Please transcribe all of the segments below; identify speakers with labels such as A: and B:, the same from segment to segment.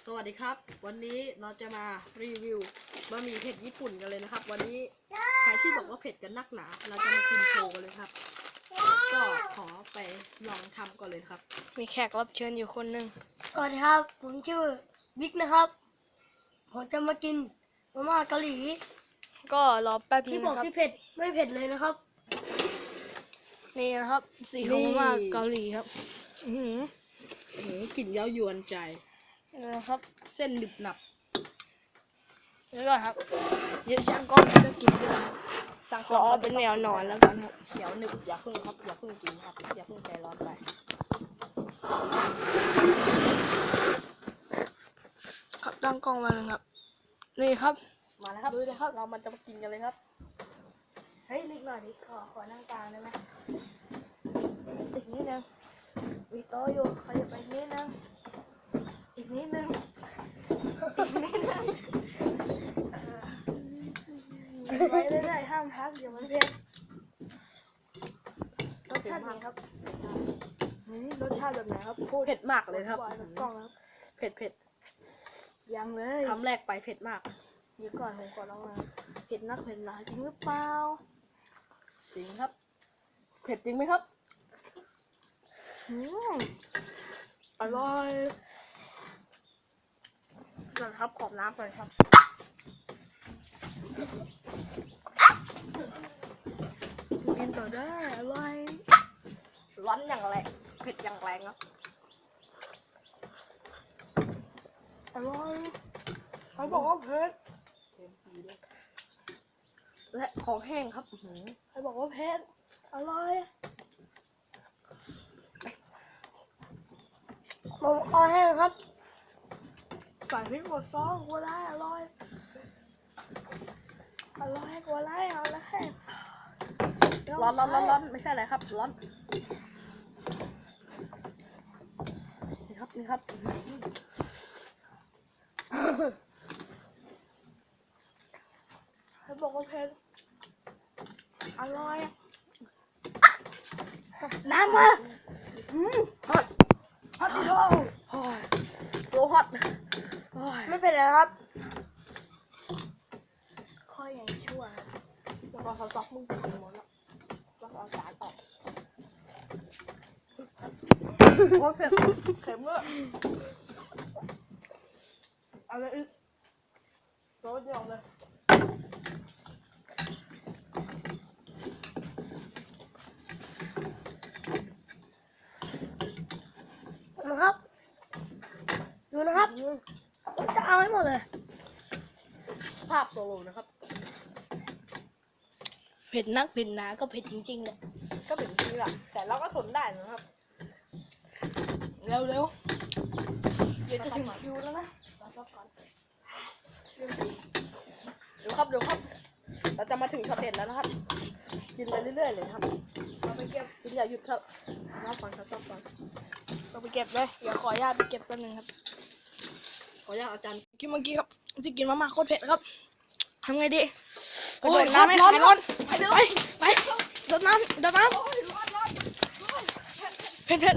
A: วัสดีครับวันนี้เราจะมารีวิวบะหมี่เผ็ดญี่ปุ่นกันเลยนะครับวันนี้ใครที่บอกว่าเผ็ดกันนักหนาเราจะมากินโชว์กันเลยครับก็ขอไปลองทำก่อนเลยครับ
B: มีแขกรับเชิญอยู่คนหนึ่ง
C: สวัสดีครับผมชื่อบิ๊กนะครับผมจะมากินมาม่าเกาหลี
B: ก็รอแป๊บนึ
C: ที่
B: ง
C: บอก
B: นะครับ
C: ที่เผ็ดไม่เผ็ดเลยนะครับ
B: นี่นะครับสีของมาม่าเกาหลีครับ
A: กลิ่นเย้ายวนใจ
B: นี่นะครับ
A: เส้นหนึบหนับ
B: นี่ก่อนครับเดี๋ยวช่างกล้องจะกินด้วยครับขอเป็นแนวนอนแล้วกันครับ
A: เดี๋ยวหนึบอย่าเพิ่งครับอย่าเพิ่งกินครับอย่าเพิ่งใจร้อนไป
B: ครับตั้งกล้องมาเลยครับนี่ครับ
A: มาแล้วครับ
B: ดูเลยครับ
A: เรามันจะมากินกันเลยครับ
B: เฮ้ยนิดหน่อยดิขอนั่งกลางได้ไหมอีกนิดนึงมีโต๊ะอยู่ขยับไปนิดนึงอีกนิดนึงอีกนิดนึงไปเรื่อยๆห้ามพักเดี๋ยวมันเผ็ดรสชาติไหนครับรสชาติแบบไหนครับพูด
A: เผ็ดมากเลยครับ
B: กับกล้องครับ
A: เผ็ดเผ็ด
B: ยังเลย
A: คำแรกไปเผ็ดมาก
B: เดี๋ยวก่อนผมขอลองมาเผ็ดนักเผ็ดหนาจริงหรือเปล่า
A: จริงครับเผ็ดจริงไหมครับ
B: อร่อยก่อนครับขอบน้ำก่อนครับกินต่อได้อร่อย
A: ร้อนอย่างแรงเผ็ดอย่างแรงครับ
B: อร่อยเขาบอกว่าเผ็ด
A: และของแห้งครับ
B: เขาบอกว่าเผ็ดอร่อย
C: ผมคอแห้งครับ
B: ใส่พริกหมดซองกัวได้อร่อยอร่อยกัวได้เอาละให้
A: ร้อนไม่ใช่อะไรครับร้อนนี่ครับนี่ครับ
B: เขาบอกว่าเผ็ดอร่อยน้ำมาฮอตฮอตดิโด
A: โอ้ยโซฮอตโอ้ย
B: ไม่เป็นไรครับค่อยยังชั่วครับ
A: แล้วก็เขาซอกมึงกินหมดแล้วแล้วก็เอาจานออกโอ้ยเผ็ดเค็มเลยเอาเลยอีกโรยเดียวเลย
C: นะครับ ดูนะครับจะเอาให้หมดเลย
A: ภาพโซโลนะครับ
B: เผ็ดนักเผ็ดหนาก็เผ็ดจริงๆเลย
A: ก็เป็นจริงแหละแต่เราก็ทนได้นะครับ
B: เร็วๆเดี๋ยวจะถึงคิวแล้วนะรอสักก่อน
A: เดี๋ยวครับเราจะมาถึงช็อตเด็ดแล้วนะครับ กินไปเรื่อยๆเลยครับ
B: เราไปเก็บ
A: กินอย่าหยุดครับรับฟังครับรับฟัง
B: เราไปเก็บเลยเดี๋ยวขออนุญาตไปเก็บแป๊บนึงครับ
A: ขออนุญาตอาจารย์
B: กินเมื่อกี้ครับที่กินมาม่าโคตรเผ็ดครับทำไงดี
A: กระ
B: โอ้
A: โด
B: ย
A: ด
B: น้ำไม่
A: ร้อน
B: ขายร้อน
A: ไปเร็ว
B: ไปโดดน้ำเผ็ด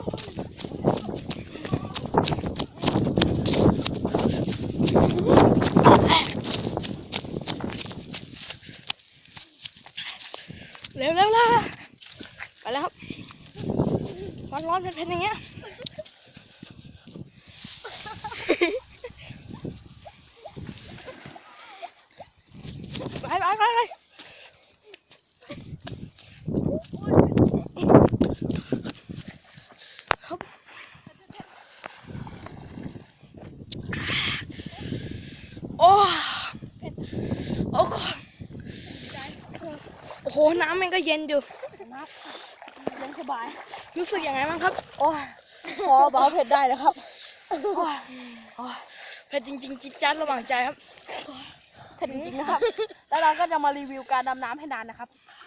B: เร็วไปแล้วครับร้อนเผ็ดอย่างเงี้ยไปครับโอ้โอ้โหน้ำมันก็เย็นอยู่
A: น้ำยังสบาย
B: รู้สึกยังไงบ้างครับ
A: โอ้ยพอเบาเผ็ดได้แล้วครับ
B: เผ็ดจริงๆจิ๊ดจ๊าดระหว่างใจครับ
A: เผ็ดจริงๆนะครับ แล้วเราก็จะมารีวิวการดำน้ำให้นานนะครับ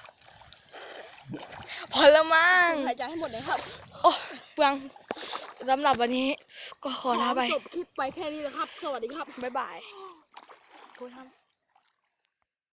B: พอแล้วมั้ง
A: หายใจให้หมดเลยครับ
B: โอ้เปลืองสำหรับวันนี้ก็ขอลาไป
A: จบคลิปไปแค่นี้นะครับ สวัสดีครับ
B: บ๊ายบายพูดทำ